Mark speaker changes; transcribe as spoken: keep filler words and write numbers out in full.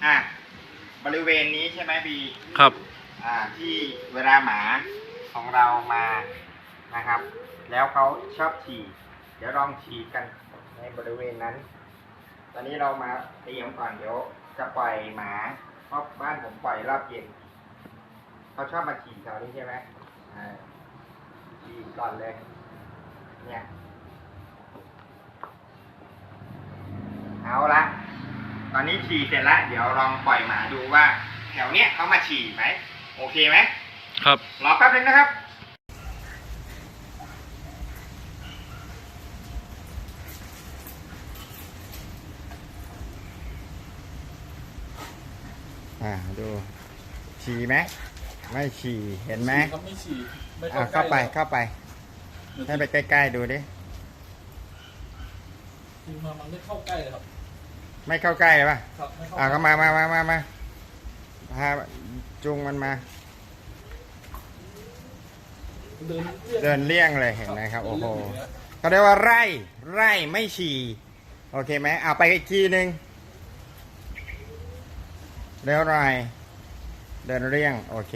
Speaker 1: อ่ะบริเวณนี้ใช่ไหมบี
Speaker 2: ครับ
Speaker 1: อ่าที่เวลาหมาของเรามานะครับ แล้วเขาชอบฉี่เดี๋ยวลองฉี่กันในบริเวณนั้น ตอนนี้เรามาเตรียมก่อนเดี๋ยวจะปล่อยหมาเพราะบ้านผมปล่อยรอบเย็นเขาชอบมาฉี่แถวนี้ใช่ไหมอ่าฉี่ก่อนเลยเนี่ยเอาละตอนนี้ฉี่เสร็จแล้วเดี๋ยวลองปล่อยหมาดูว่า แถวเนี้ยเขามาฉี่ไหมโอเคไหม
Speaker 2: ครับ
Speaker 1: รอแป๊บนึงนะครับอ่าดูฉี่ไหมไม่ฉี่เห็นไหม
Speaker 3: เขาไม่ฉี่ไม่
Speaker 1: อ่า
Speaker 3: เข้า
Speaker 1: เข้า
Speaker 3: ใก
Speaker 1: ไป
Speaker 3: ล้
Speaker 1: เข้าไปให้ไปใกล้ๆดูดิ
Speaker 3: คือมามันไม่เข้าใกล้เลยครับ
Speaker 1: ไม่เข้าใกล้เลยป่ะ
Speaker 3: ครับไม่เข้า
Speaker 1: อ่าก็มามามามามาพาจุงมันมา
Speaker 3: เดิน
Speaker 1: เดินเลี่ยงเลยเห็นไหมครับโอ้โหเขาเรียกว่าไร่ไร่ไม่ฉี่โอเคไหมเอาไปอีกทีหนึ่งเร็วหน่อยเดินเลี่ยงโอเค